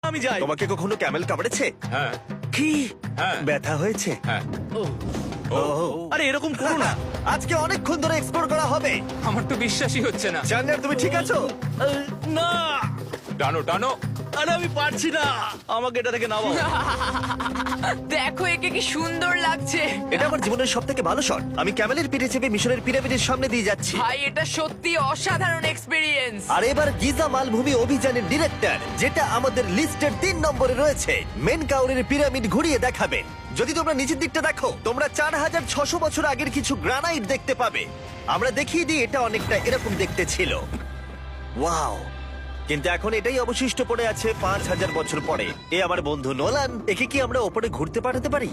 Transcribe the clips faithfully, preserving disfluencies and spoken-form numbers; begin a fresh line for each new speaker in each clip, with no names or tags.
আমি যাই।
তোমাকে কখনো ক্যামেল কামড়েছে?
হ্যাঁ
কি
হ্যাঁ
ব্যথা হয়েছে?
হ্যাঁ
ও
আরে এরকম করো না।
আজকে অনেকক্ষণ ধরে এক্সপ্লোর করা হবে।
আমার তো বিশ্বাসই হচ্ছে না।
জানলার তুমি ঠিক আছো?
আহ, না,
টানো টানো।
আরে আমি পারছি না, আমাকে এটা থেকে নামাও।
দেখো একে কি সুন্দর লাগছে।
এটা আমার জীবনের সব থেকে ভালো শট। আমি ক্যামেলের পিঠে চেপে মিশরের পিরামিডের সামনে দিয়ে যাচ্ছি।
ভাই এটা সত্যি অসাধারণ এক্সপিরিয়েন্স।
আর এবার গিজা মালভূমি অভিযানের ডিরেক্টর, যেটা আমাদের লিস্টের তিন নম্বরে রয়েছে, মেনকাউরের পিরামিড ঘুরিয়ে দেখাবে। যদি তোমরা নিচের দিকটা দেখো, তোমরা চার হাজার ছশো বছর আগের কিছু গ্রানাইট দেখতে পাবে। আমরা দেখিয়ে দিই, এটা অনেকটা এরকম দেখতে ছিল। ওয়াও! কিন্তু এখন এটাই অবশিষ্ট পড়ে আছে পাঁচ হাজার বছর পরে। এ আমার বন্ধু নোলান, একে কি আমরা ওপরে ঘুরতে পাঠাতে পারি?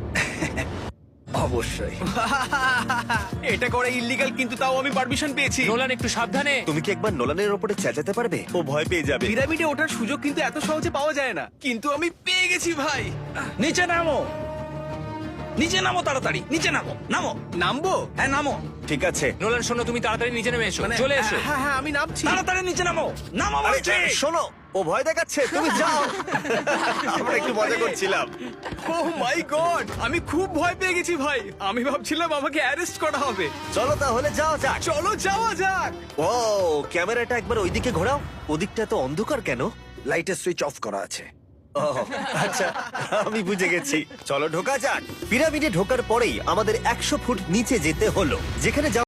অবশ্যই। এটা করা ইল্লিগাল, কিন্তু তাও আমি পারমিশন পেয়েছি।
নোলান একটু সাবধানে।
তুমি কি একবার নোলানের ওপরে চেঁচাতে পারবে? ও ভয় পেয়ে যাবে।
পিরামিডে ওঠার সুযোগ কিন্তু এত সহজে পাওয়া যায় না, কিন্তু আমি পেয়ে গেছি ভাই।
নিচে নামো, নিচে নামো, তাড়াতাড়ি নিচে নামো, নামো,
নামবো?
হ্যাঁ নামো,
ঠিক আছে।
নোলান শোনো, তুমি তাড়াতাড়ি নিচে নেমে এসো,
মানে
চলে এসো।
হ্যাঁ হ্যাঁ আমি নামছি।
তাড়াতাড়ি নিচে নামো, নামো
আরে,
বলছি।
শোনো, ও ভয় দেখাচ্ছে, তুমি যাও। আমরা একটু মজা করছিলাম।
ও মাই গড, আমি খুব ভয় পেয়ে গেছি ভাই। আমি ভাবছিলাম আমাকে অ্যারেস্ট করা হবে।
চলো তাহলে যাও যাক।
চলো যাওয়া যাক।
ও ক্যামেরাটা একবার ওইদিকে ঘোরাও। ওদিকটা তো অন্ধকার কেন?
লাইটের সুইচ অফ করা আছে।
ও আচ্ছা, আমি বুঝে গেছি। চলো ঢোকা যাক। পিরামিডে ঢোকার পরেই আমাদের একশো ফুট নিচে যেতে হলো, যেখানে